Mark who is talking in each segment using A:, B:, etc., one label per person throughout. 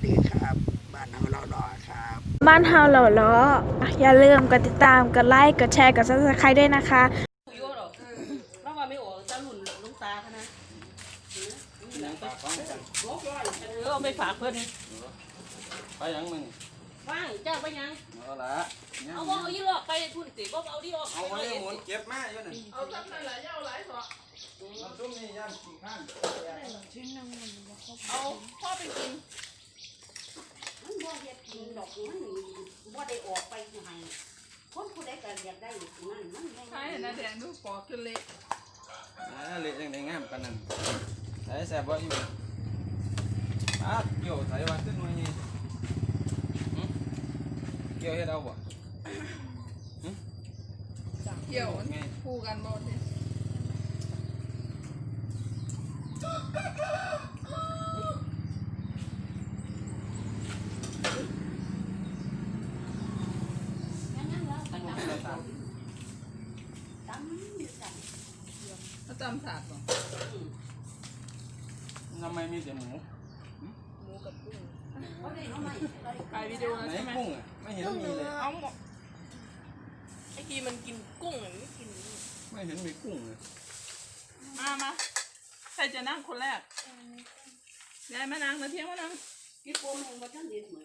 A: ดีครับบ้านเฮาเราดอครับ
B: บ้านเฮาเหล่าล้ออย่าลืมกดติดตามกดไลค์กดแชร์กด Subscribe ด้วยนะคะ
C: โยหรอกแล้วว่าไม่โอ้จะหลุนลุงตาค่ะนะเอาไปฝากเพื่อน
D: ไปยังมึง
C: ว่างจ้าไปยัง
D: เอาละ
C: เอาว่าเอายี่หลอกไปทุนสิว่าเอาที่ออก
D: เอาไว้หมุนเก็บมาอยู่นี่
C: เอาทำอะไรเอาหลายสอ
D: มันตุ้มนี่ย่างกี่ข้าง
C: เอาพ่อไปกิน
E: มันบ่เฮ็ดกินดอกมันบ่ได้ออกไปไหนคนผู้ใดก็อยากได้นั่นมัน
C: ใช่นะแดงดูปอกขึ้นเละ
D: เละยังไงงามกันนั่นใส่แซ่บบ่อยู่เกี่ยวใส่วันขึ้นมานี่เกี่ยวให้เราบ่
C: เกี่ยวคู่กันบ่ดิเขาจำศาสตร์ป่ะ
D: ทำไมมีแต่หมู
C: กับกุ้ง
E: ไป
C: วิดีโอแล้วใช่ไหม
D: กุ้งอ่ะไม่เห็นมีเลย
C: เอาหมดไอ้กีมันกินกุ้งอ่ะไม่กิน
D: ไม่เห็นมีกุ้งเลย
C: มาใครจะนั่งคนแรกยายมานั่งนะเที่ยงมานั่ง
E: กี่โมงบ่ทันเด็ดเหมือน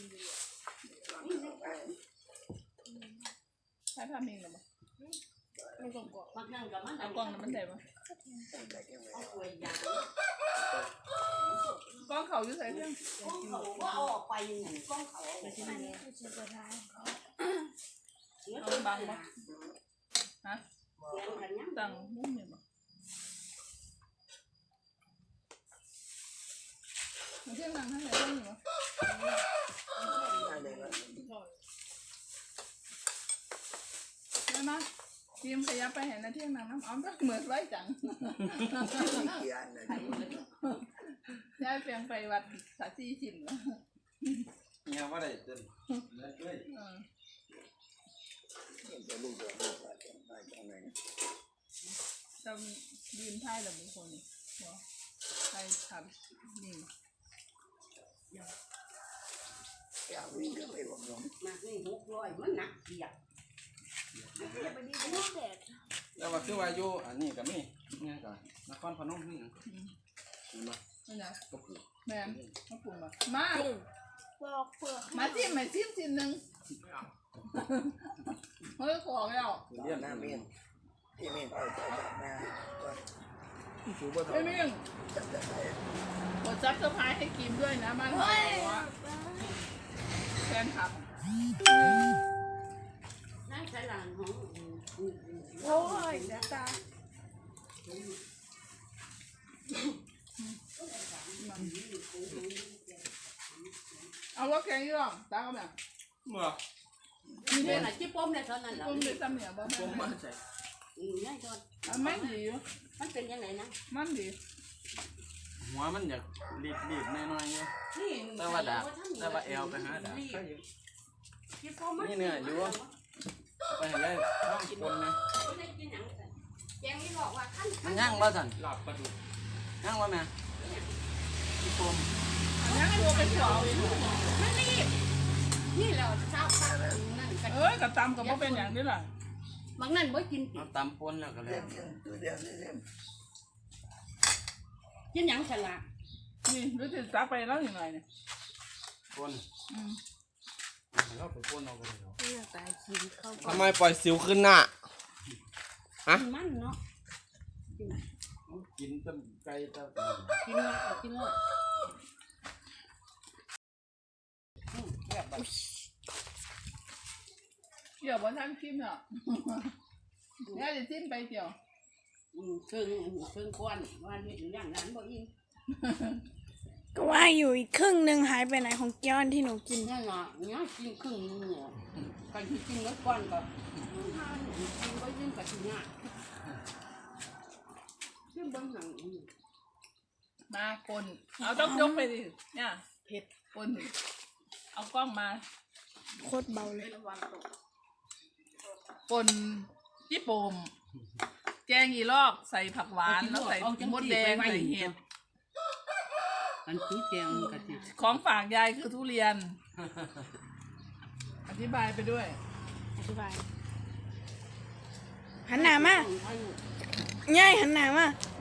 C: ใช้ผ้าเมงหรือเปล่าไม่กล่องกล่อง
E: บางครั้งก็มัน
C: เอากล่องนั้นมันได้ปะ
E: เอาป่วยยาก
C: กล่องเขาอยู่ใส่เรื่อง
E: เขาว่าเอาออกไปยังไงกล้องเขา
C: เอาบังปะฮะตังมุ้งเนี่ยปะมันเที่ยงนั่งทั้งไหนเรื่องอยู่ปะได้ไหมทีมขยับไปเห็นนะเที่ยงนั่งน้ำอ้อมก็เหมือนไว้จังย้ายเปลี่ยนไปวัดสาจีจิ๋มแล้ว
D: เนี่ยว่าได้เต้นเลย
C: จะยืนท่ายแบบบุคคลนี่ใครทำนี่
A: อยากวิ่งก็ไปบอกน้อง
E: มานี่600มันหนักเกียบ
D: แล้วว่าคือว่าอยู่อันนี้ก็มีเนี่ยก็นครพนมนี่
C: นี่นะแม่มาปรุงมามาจิ้มชิ้นหนึ่งเฮ้ยขอแล้ว
A: เรียนหน้าเมียนที่เมียนไปหน้า
C: ไม่มิ่งกดซับสไครต์ให้กิมด้วยนะมันแฟนคลับ
E: นั่งใช้หลานของ
B: โอ้ยเดี๋ยวตา
C: เอาว่าแกงยี่หรอตาก็แบบ
D: เมื่อ
E: มีเป็นอะไรจิ๊บป้มในเท่านั้นแหละ
C: ป้มเป็นซ้ำเนี่ยบ้าง
D: ป้มมันใส่
E: ง่ายจน
C: มันดี
E: มันเป็นยังไงนะ
C: มันดี
D: หัวมันอยากรีบน้อยๆเยอะแต่ว่าดาแต่ว่าเอวไปหาดานี่เนี่ยอยู่ไปเห็นได้ท้องคนนะมันย่างว่าสันหลับปลาดุกย่างว่าแม่ที่ปม
C: ย่างตัวเป็นหัว
E: มันรีบนี่เราเช้านั่น
C: กับตำกับพ่อเป็นอย่างนี้แหละ
E: บางนั่นบ่กิน
D: เอาตำปนแล้วก็เลย
E: กินหยังฉลาด
C: นี่รู้สึกซักไปแล้วยังไงเนี่ย
D: ปนเราไปปนเอาไปเลย
A: ทำไมปล่อยสิวขึ้นหน้า
E: ฮะมันเนาะ
D: กินต้มไก่ต้ม
E: กินเลย
C: เกี่ยวกับท่านชิมเนาะเนี่ยจะชิมไปเกี่ยว
E: เครื่องก้อนว่าเห็นอย่างนั้นบ่อิน
B: ก็ว่าอยู่อีกครึ่งหนึ่งหายไปไหนของแก้วที่หนูกิน
E: เนี่ยเนาะเนี่ยกินครึ่งนึงเนี่ยการที่กินแล้วก้อนก็กินก็ยิ่งกว่าที่เนี่ยขึ้นบนหนัง
C: มาคนเอาต้องยกไปดิเนี่ยเผ็ดคนเอากล้องมา
B: โคตรเบาเลย
C: คนญี่ปุ่นแกงอีลอกใส่ผักหวานแล้วใส่มดแดงใส่เห็ด
E: อันคือแกงกะทิ
C: ของฝากยายคือทุเรียน อธิบายไปด้วย
B: อธิบายหันหน้ามาง่ายหันหน้ามา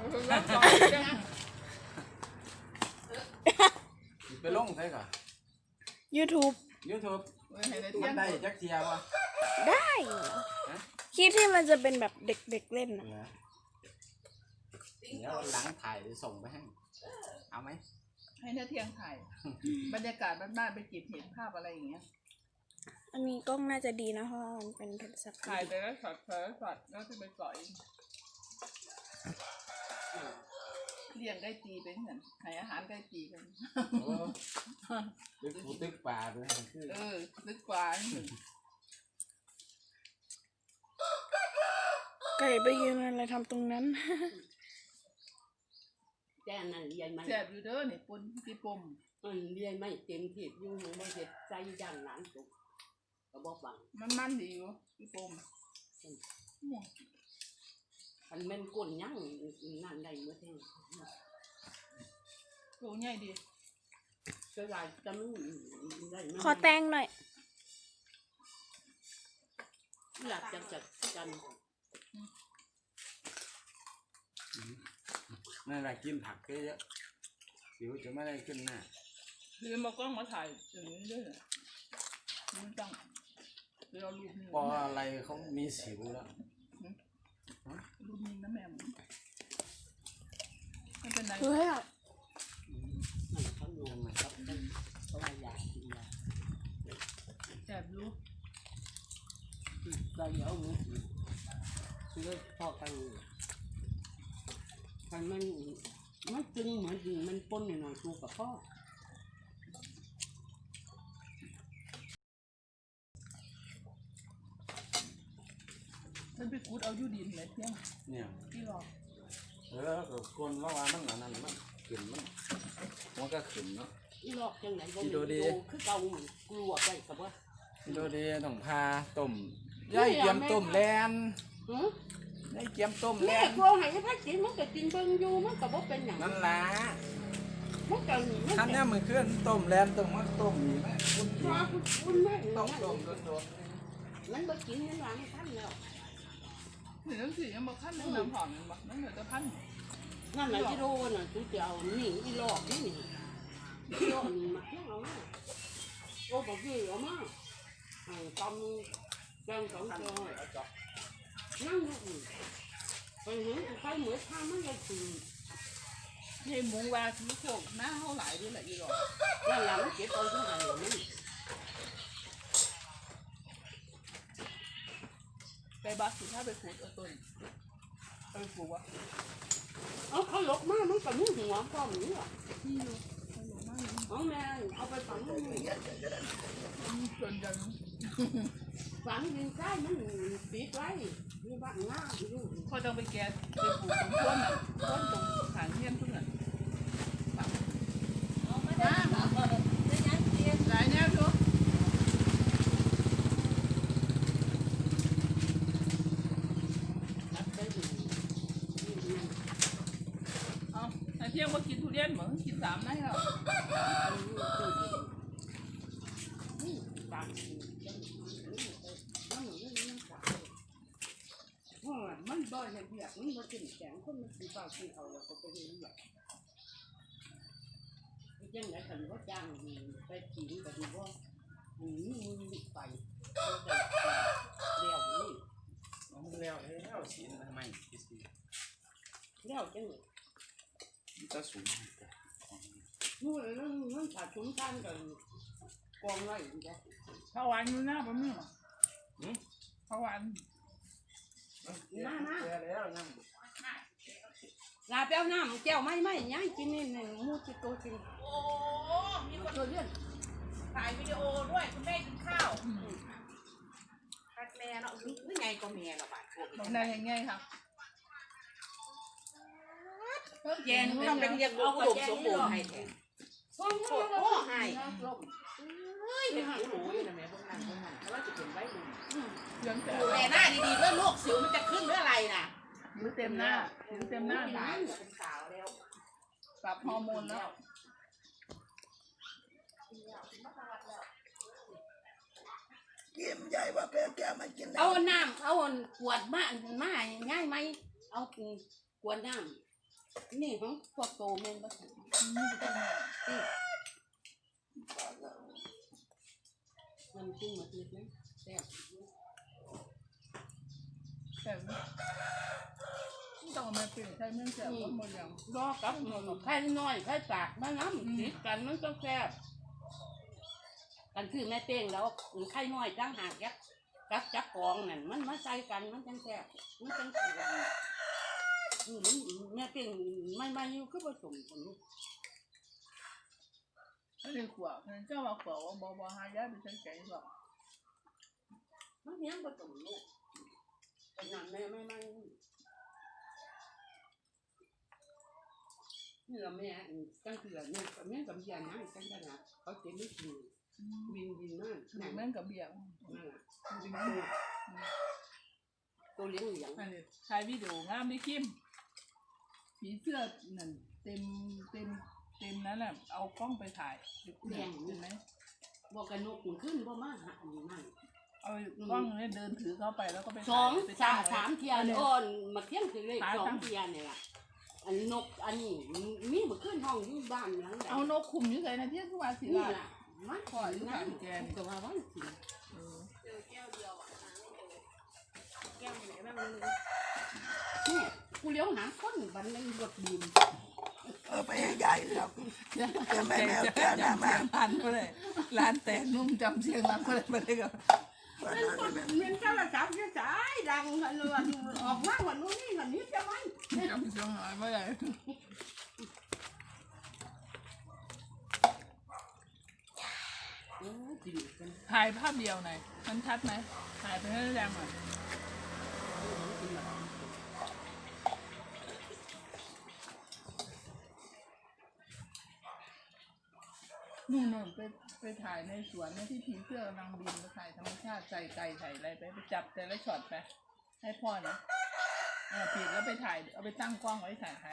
D: ไปลงใช่ก่ะ
B: YouTube
D: YouTube
C: ให้ได้
D: มั
C: เที่ย
D: น
C: ง
D: ได้จักเทียวะ
B: ได้คลิปที่มันจะเป็นแบบเด็กๆเล่นนะ
D: เดี๋ยวหลังถ่ายส่งไปให้เอาไหม
C: ให้ได้เที่ยงถ่าย บรรยากาศบ้านๆไปเก็บเห็นภาพอะไรอย่างเงี้ย
B: อันนี้กล้องน่าจะดีนะเพราะว่ามันเป็นโทรศัพท์
C: ถ่ายไปแล้วช็อตแล้วจะไปเกาะอีกเลี้ยงได้ตีเป็นเหมือนให้อาหารได้ตีกัน
D: ตึกปูตึกป่าด้วยคือ
C: ลึกกว่า
B: ไก่ไปยืนอะไรทำตรงนั้น
E: แจ้นั่นเรียนไม่
C: แซ่บอยู่เด้อนี่ปนที่ปม
E: เรียนไม่เต็มที่อยู่มันบ่เฮ็ดใจย่างหลานสุกก็บ่ฟัง
C: มันดีอยู่ที่ปม
E: อันแม่นก้นยังนั่นได้เมื่อเท่ง
C: ตัวใหญ่ดี
E: ก็ได้จะมันได้
B: ขอแต่งหน่อย
E: อยากจะจัดกัน
D: นั่นแหละกินผักเยอะๆสิวจะไม่ได้ขึ้นหน้า
C: คือมากล้องมาถ่ายอย่างนี้ด้วยมันต้องเราลูกนี่
D: พออะไรเขามีสิวแล้ว
C: ลูกนี่นะแม่ไม่เป็นไร
B: เฮ้ยอะ
E: มันเขาลงมาครับเพราะว่าอยากกินยา
C: แซ่บอยู่
E: เราเดี๋ยวมือคือพอกันมันจึงเหมือนมันปนหน่อยๆตัวกับพ่อ
C: มันไปกูดเอาอยู่ดินเลยเที่ยง
D: เนี่ย
C: ที่หลอก
D: ก็คนว่ามันอันนั้นมันขึ้นมันก็ขึ้นเนาะ
E: อีหลอกจังไหนบ่
D: ดูดิ
E: คือเก่ากลัวไปกับว่า
D: ดูดีต้องพาต้มย่ายเกียมต้มแลน
E: หือ
D: ย่ายเกียมต้มแล
E: แม่
D: น
E: กลัวให้พักกินมันก็กินเบิ่งอยู่มันก็บ่เป็นหยัง
D: นั่นล่ะ
E: มันก็
D: ท่านเนี่ยมือเคลื่อนต้มแลนต้มมันต้มนี่ไหมคุณดี
E: ว่าคุณแม่
D: ต้องต้มโดน
E: มันบ่กินมันว่าไม่ทันแล้ว
C: หนึ่งสี่ยังบอกขั้นหนึ่งน้ำหอมมันบอกนั่นเหลือจะพัน
E: นั่นน่ะที่โดนน่ะกูจะเอานี่อีหลอกนี่อีหลอกนี่มาเที่ยวเอามาโอ้บ่คือเอามาตำแกงสองจอนั่งอยู่ไปเห็นใครเหมือนทางมันเลยคือ
C: นี่มุงว่าคือโขกหน้าเท่าไหร่ด้วยแหละอีหลอก
E: นั่นแหละมันเก็บเอาที่ไหนนี่
C: ไปบัสสิถ้าไปขูดเอาต้นไปปลูกวะ
E: เอาเขาหลบมามันก็มีหัวพร้อมนี่หรอ
C: ที่อยู่ไปหลงมากเลย
E: เอาแม่เอาไปฝังมัน
C: จนจัง
E: ฝังดินใต้มันปิดไว้มีบ้านง่าอยู่
C: พอต้องไปแกะไปปลูกตรงต้นอ่ะต้นตรงขางเงี้ยนทุกอย่างหลายแนวดู
E: รับได้อยู่
C: เอาไอ้เที่ยงว่ากินทุเรียนเหมือนกิน3ได้แล้ว
E: ต่างมันบ่อยเบียกมันบ่กินแกงคนมันกินเปล่ากินเอาแล้วก็ไปเรียนแบบจังไหนกันว่าจ้างไปกินก็ดีว่ามือไปเลี้ยวนี่
D: เอาแล้วแล้วสีทำไมสี
E: เลี้ยวจังเลย
D: จะสูง
E: นู่นนั่นขาดชุนกันกันกองไว้อีกแล้ว
C: ข้าวหวานอยู่หน้าผมนี่หรอข้าวหวาน
E: มามา
D: แล้วยัง
E: ลาเปียวน้ำแก้วไม่ย่างกินนี่หนึ่งมูจิโตจริง
C: โอ้มีคน
E: ตัวเลื่อน
C: ถ่ายวิดีโอด้วยคุณแม่กินข้าว
E: คัดแม่เนาะนี่ไงก็แม่ละบาด
C: ตรงไหนยังไงครับ
E: แกนทำเป็นยังเอากระดูกสมบูรณ์ให้แทนโอ้ให้เฮ้ยเป็นหูหนูอยู่นะแม่พวกนั้นเพราะว่าจะเป็นไว้ดู
C: เรื่องแต่
E: ดูแลหน้าดีๆเพื่อลูกสิวมันจะขึ้นหรืออะไรน่ะ
C: ผิวเต็มหน้าผิวเต็มหน้า
E: หลานเป็นสาวแล้ว
C: ปรับฮอร์โมนแล้ว
A: เยี่ยมใหญ่ว่าแพ้แก้มันกินได้
E: เอาน้ำเอาขวดมาง่ายไหมเอาขวดน้ำนี่ของพวกโตเมนบ้างมันกินหมดเลยนะแซ่บ
C: แต่ต้องเอามาเปลี่ยนใช้เมื่อเสียก็หมดอย่าง
E: รอกับไข่น้อยไข่ปากมาน้ำติดกันมันก็แซ่บกันคือแม่เป้งแล้วไข่น้อยตั้งหากกับจับกองนั่นมันมาใส่กันมันจังแซ่บมันจังแซ่บแม่เป้งไม่อยู่คือผสมกัน
C: ไม่ได้ขวบเจ้าว่าขวบว่าบอหายาไปใช้แกงหรอก
E: มันเนี้ยผสมลูกแต่นั่นแม่ไม่นี่เราแม่ตั้งคือแม่กับยานะตั้งขนาดเขาเต็มไม่กินบินมาก
C: หนังแม่งกับเบียร์
E: นั่นแหละตัวเลี้ยงเหลียง
C: อันนี้ถ่ายวิดีโองามไม่คิมผีเสื้อนั่นเต็มนั้นแหละเอากล้องไปถ่ายเห็นไหม
E: บอกกันนกขึ้นเพราะมาหาอันนี้นั่น
C: เอากล้องเนี่ยเดินถือเข้าไปแล้วก็ไป
E: สามเทียนอ่อนมาเที่ยงคือเลข2 เทียนเนี่ยล่ะอันนกอันนี้มีมาขึ้นห้องอยู่บ้านหลัง
C: เอานกคุมอยู่ไหนนะเที่ยงทุกวันสิ
E: นี่
C: ล่ะ
E: ล่ะมันคอยนั่นก็ว่าวันสินี่กูเลี้ยวหาคนบันนึงรถบีม
A: ไปใหญ่ครับจะแม่แมวแก้วหน้ามา
C: พันก็เลยร้านแต่นุ่มจำเสียงรักก็เลยไปเลยกับ
E: มันก็ระดับจะสายดังกันเลยออกมาวันนู้นนี่วันนี้จะมัน
C: จำเสียงหน่อยไม่ได้ถ่ายภาพเดียวหน่อยมันชัดไหมถ่ายไปให้แรงหน่อยนู่นไปถ่ายในสวนเนี่ยที่ผีเสื้อกำลังบินไปถ่ายธรรมชาติใส่ไก่ใส่อะไรไปจับแต่ละช็อตไปให้พ่อนะผิดแล้วไปถ่ายเอาไปตั้งกล้องไว้ถ่าย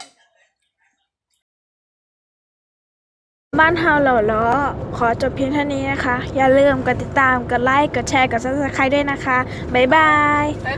B: บ้านเฮาเหล่าล้อขอจบเพียงเท่านี้นะคะ อย่าลืมกดติดตามกดไลค์กดแชร์กด Subscribe ด้วยนะคะบ๊ายบาย